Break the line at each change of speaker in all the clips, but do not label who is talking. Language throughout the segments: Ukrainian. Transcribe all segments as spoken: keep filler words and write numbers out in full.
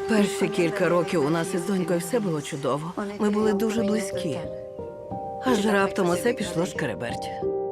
Перші кілька років у нас із донькою все було чудово. Ми були дуже близькі. Аж раптом усе пішло шкереберть.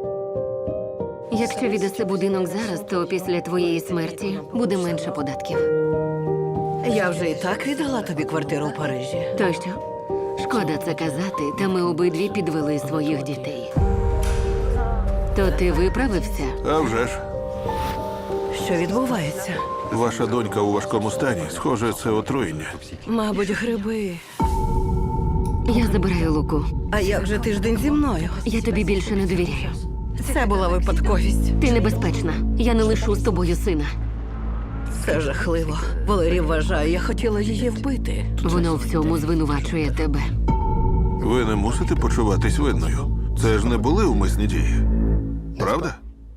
Якщо віддаси будинок зараз, то після твоєї смерті буде менше податків.
Я вже і так віддала тобі квартиру в Парижі.
То що? Шкода це казати, та ми обидві підвели своїх дітей. То ти виправився?
А вже ж.
Що відбувається?
Ваша донька у важкому стані. Схоже, це отруєння.
Мабуть, гриби.
Я забираю Луку.
А як же тиждень зі мною?
Я тобі більше не довіряю.
Це була випадковість.
Ти небезпечна. Я не лишу з тобою сина.
Це жахливо. Валерій вважає, я хотіла її вбити.
Воно в цьому звинувачує тебе.
Ви не мусите почуватись винною. Це ж не були умисні дії. Правда?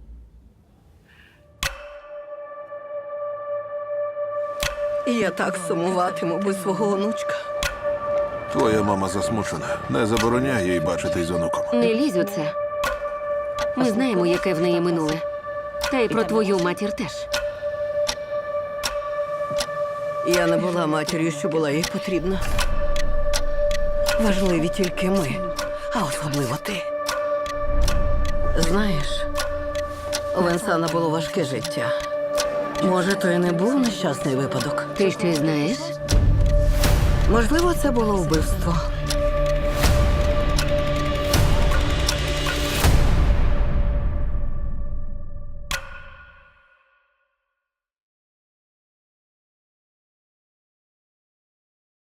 І я так сумуватиму без свого онучка.
Твоя мама засмучена. Не забороняй їй бачитись з онуком.
Не лізь у це. Ми знаємо, яке в неї минуле. Та й про твою матір теж.
Я не була матір'ю, що була їй потрібна. Важливі тільки ми, а особливо ти. Знаєш, у Венсана було важке життя. Може, то і не був нещасний випадок.
Ти щось знаєш?
Можливо, це було вбивство.